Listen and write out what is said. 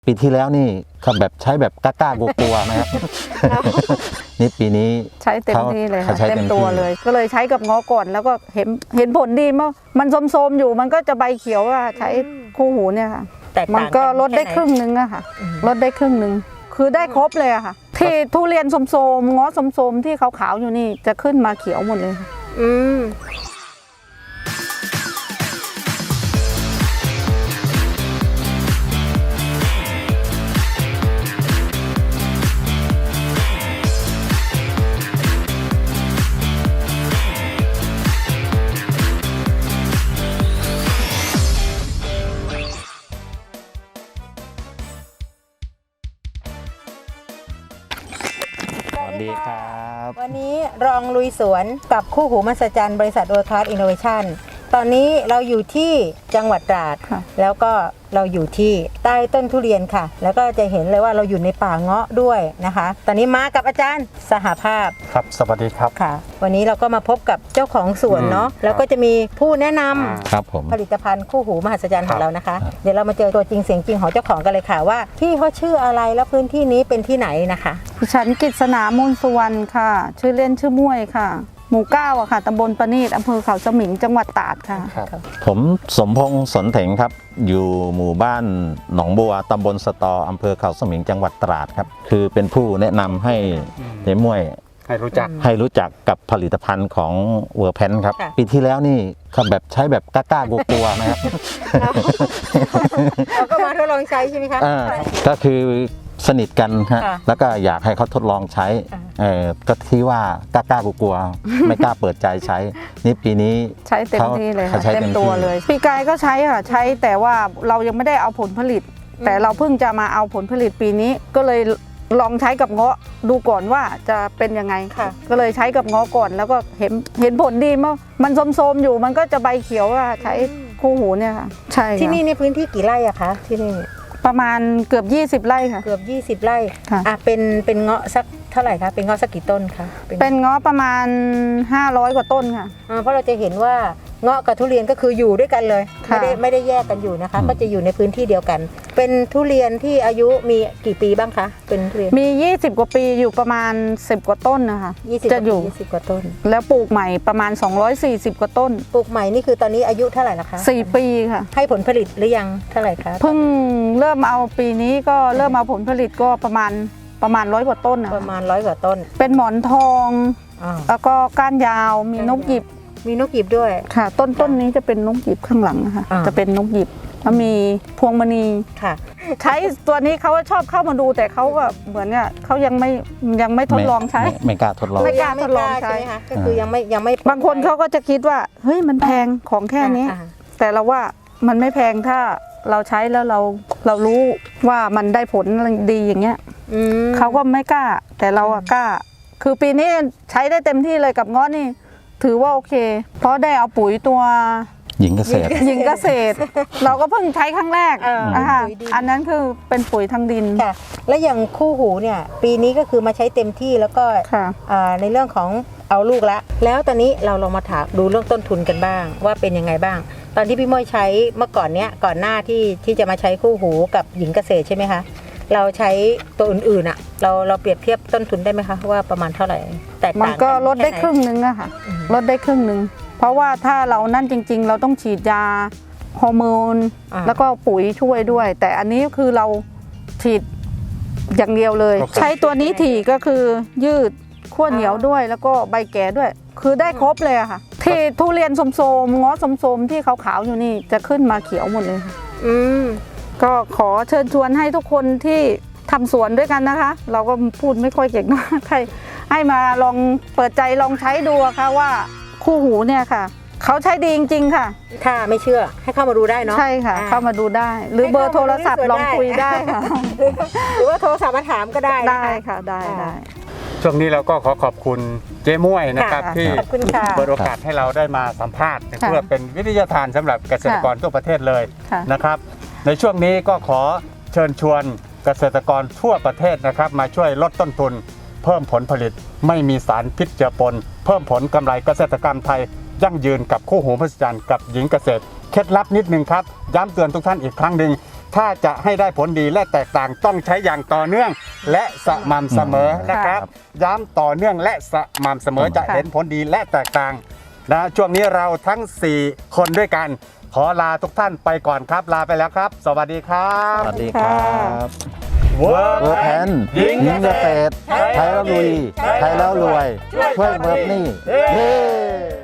ปีที่แล้วนี่เขาแบบใช้แบบกล้ากลัวๆนะครับ นี่ปีนี้ใช้เต็มที่เลยค่ะใช้เต็มตัวเลย ก็เลยใช้กับง้อก่อนแล้วก็เห็นผลดีมากมันโทรมๆอยู่มันก็จะใบเขียวอะใช้คู่หูเนี่ยค่ะมันก็ลดได้ครึ่งนึงอะค่ะลดได้ครึ่งนึงคือได้ครบเลยอะค่ะที่ทุเรียนโทรมๆง้อโทรมๆที่ขาวๆอยู่นี่จะขึ้นมาเขียวหมดเลยค่ะสวัสดีครับวันนี้รองลุยสวนกับคู่หูมหัศจรรย์บริษัทWorld Class Innovation ตอนนี้เราอยู่ที่จังหวัดตราดแล้วก็เราอยู่ที่ใต้ต้นทุเรียนค่ะแล้วก็จะเห็นเลยว่าเราอยู่ในป่าเงาะด้วยนะคะตอนนี้มากับอาจารย์สหภาพครับสวัสดีครับค่ะวันนี้เราก็มาพบกับเจ้าของสวนเนาะแล้วก็จะมีผู้แนะนำครับผมผลิตภัณฑ์คู่หูมหัศจรรย์ของเรานะคะเดี๋ยวเรามาเจอตัวจริงเสียงจริงของเจ้าของกันเลยค่ะว่าที่เขาชื่ออะไรแล้วพื้นที่นี้เป็นที่ไหนนะคะฉันกฤษณามูลสุวรรณค่ะชื่อเล่นชื่อม่วยค่ะหมู่9อะค่ะตำบลประณีตอำเภอเขาสมิงจังหวัดตราดค่ะผมสมพงษ์สนเถงครับอยู่หมู่บ้านหนองบัวตำบลสตออำเภอเขาสมิงจังหวัดตราดครับคือเป็นผู้แนะนำให้เจ๊ม่วยให้รู้จักกับผลิตภัณฑ์ของเวอร์แพนครับปีที่แล้วนี่เขาแบบใช้แบบกล้ากลัวๆนะครับเราก็มาทดลองใช้ใช่ไหมคะก็คือสนิทกันฮะแล้วก็อยากให้เขาทดลองใช้ก็ที่ว่ากล้ากลัวไม่กล้าเปิดใจใช้นี่ปีนี้ใช้เต็มที่เลยค่ะเต็มตัวเลยปีกายก็ใช้ค่ะใช้แต่ว่าเรายังไม่ได้เอาผลผลิตแต่เราเพิ่งจะมาเอาผลผลิตปีนี้ก็เลยลองใช้กับเงาะดูก่อนว่าจะเป็นยังไงก็เลยใช้กับเงาะก่อนแล้วก็เห็นผลดีมากมันโทรมๆอยู่มันก็จะใบเขียวอะใช้คู่หูเนี่ยค่ะใช่ที่นี่ในพื้นที่กี่ไร่อะคะที่นี่ประมาณเกือบ20ไร่ค่ะเกือบ20ไร่ค่ะเป็นเงาะสักเท่าไหร่คะเป็นเงาะสักกี่ต้นคะเป็นเงาะประมาณ500กว่าต้นค่ะเพราะเราจะเห็นว่าเงาะกับทุเรียนก็คืออยู่ด้วยกันเลยไม่ได้แยกกันอยู่นะคะก็จะอยู่ในพื้นที่เดียวกันเป็นทุเรียนที่อายุมีกี่ปีบ้างคะเป็นทุเรียนมี20กว่าปีอยู่ประมาณ10กว่าต้นนะคะจะอยู่ 20กว่าต้นแล้วปลูกใหม่ประมาณ240กว่าต้นปลูกใหม่นี่คือตอนนี้อายุเท่าไหร่ละคะ 4ปีค่ะให้ผลผลิตหรือยังเท่าไหร่คะเพิ่งเริ่มเอาปีนี้ก็เริ่มเอาผลผลิตก็ประมาณ100กว่าต้นประมาณ100กว่าต้นเป็นหมอนทองแล้วก็ก้านยาวมีนกหยิบด้วยค่ะต้นนี้จะเป็นนกหยิบข้างหลังนะคะจะเป็นนกหยิบแล้วมีพวงมณีค่ะใช้ตัวนี้เขาชอบเข้ามาดูแต่เขาก็เหมือนเนี่ยเขายังไม่ทดลองใช้ไม่กล้าทดลองใช่ค่ะก็คือยังไม่บางคนเขาก็จะคิดว่าเฮ้ยมันแพงของแค่นี้แต่เราว่ามันไม่แพงถ้าเราใช้แล้วเรารู้ว่ามันได้ผลดีอย่างเงี้ยเขาก็ไม่กล้าแต่เราอะกล้าคือปีนี้ใช้ได้เต็มที่เลยกับง้อนี่ถือว่าโอเคเพราะได้เอาปุ๋ยตัวหญิงเกษตรเราก็เพิ่งใช้ครั้งแรกอันนั้นคือเป็นปุ๋ยทางดินค่ะและอย่างคู่หูเนี่ยปีนี้ก็คือมาใช้เต็มที่แล้วก็ในเรื่องของเอาลูกละแล้วตอนนี้เราลองมาถามดูเรื่องต้นทุนกันบ้างว่าเป็นยังไงบ้างตอนที่พี่ม้อยใช้เมื่อก่อนก่อนหน้าที่จะมาใช้คู่หูกับหญิงเกษตรใช่ไหมคะเราใช้ตัวอื่นๆอ่ะเราเปรียบเทียบต้นทุนได้ไหมคะว่าประมาณเท่าไหร่แตกต่างมันก็ลดได้ครึ่งนึงอะค่ะลดได้ครึ่งนึงเพราะว่าถ้าเรานั่นจริงๆเราต้องฉีดยาฮอร์โมนแล้วก็ปุ๋ยช่วยด้วยแต่อันนี้คือเราฉีดอย่างเดียวเลยใช้ตัวนี้ถี่ก็คือยืดขั้วเหนียวด้วยแล้วก็ใบแก่ด้วยคือได้ครบเลยอะค่ะที่ทุเรียนโทรมๆง้อโทรมๆที่ขาวๆอยู่นี่จะขึ้นมาเขียวหมดเลยค่ะก็ขอเชิญชวนให้ทุกคนที่ทำสวนด้วยกันนะคะเราก็พูดไม่ค่อยเก่งนะให้มาลองเปิดใจลองใช้ดูค่ะว่าคู่หูเนี่ยค่ะเขาใช้ดีจริงๆค่ะถ้าไม่เชื่อให้เข้ามาดูได้เนาะใช่ค่ะเข้ามาดูได้หรือเบอร์โทรศัพท์ลองคุยได้ค่ะหรือว่าโทรศัพท์มาถามก็ได้ค่ะได้ช่วงนี้เราก็ขอบคุณเจ๊ม่วยนะครับที่เปิดโอกาสให้เราได้มาสัมภาษณ์เพื่อเป็นวิทยาทานสำหรับเกษตรกรทั่วประเทศเลยนะครับในช่วงนี้ก็ขอเชิญชวนเกษตรกรทั่วประเทศนะครับมาช่วยลดต้นทุนเพิ่มผลผลิตไม่มีสารพิษเจือปนเพิ่มผลกำไรเกษตรกรรมไทยยั่งยืนกับคู่หูมหัศจรรย์กับหญิงเกษตรเคล็ดลับนิดนึงครับย้ำเตือนทุกท่านอีกครั้งหนึ่งถ้าจะให้ได้ผลดีและแตกต่างต้องใช้อย่างต่อเนื่องและสม่ำเสมอนะครับ ย้ำต่อเนื่องและสม่ำเสมอจะเห็นผลดีและแตกต่างนะช่วงนี้เราทั้ง 4 คนด้วยกัน ขอลาทุกท่านไปก่อนครับ ลาไปแล้วครับ สวัสดีครับสวัสดีครับเวิร์เวิร์กแพนยิงเกษตรไทยแล้วลุยไทยแล้วรวย ช่วยเวิร์กนี่เย้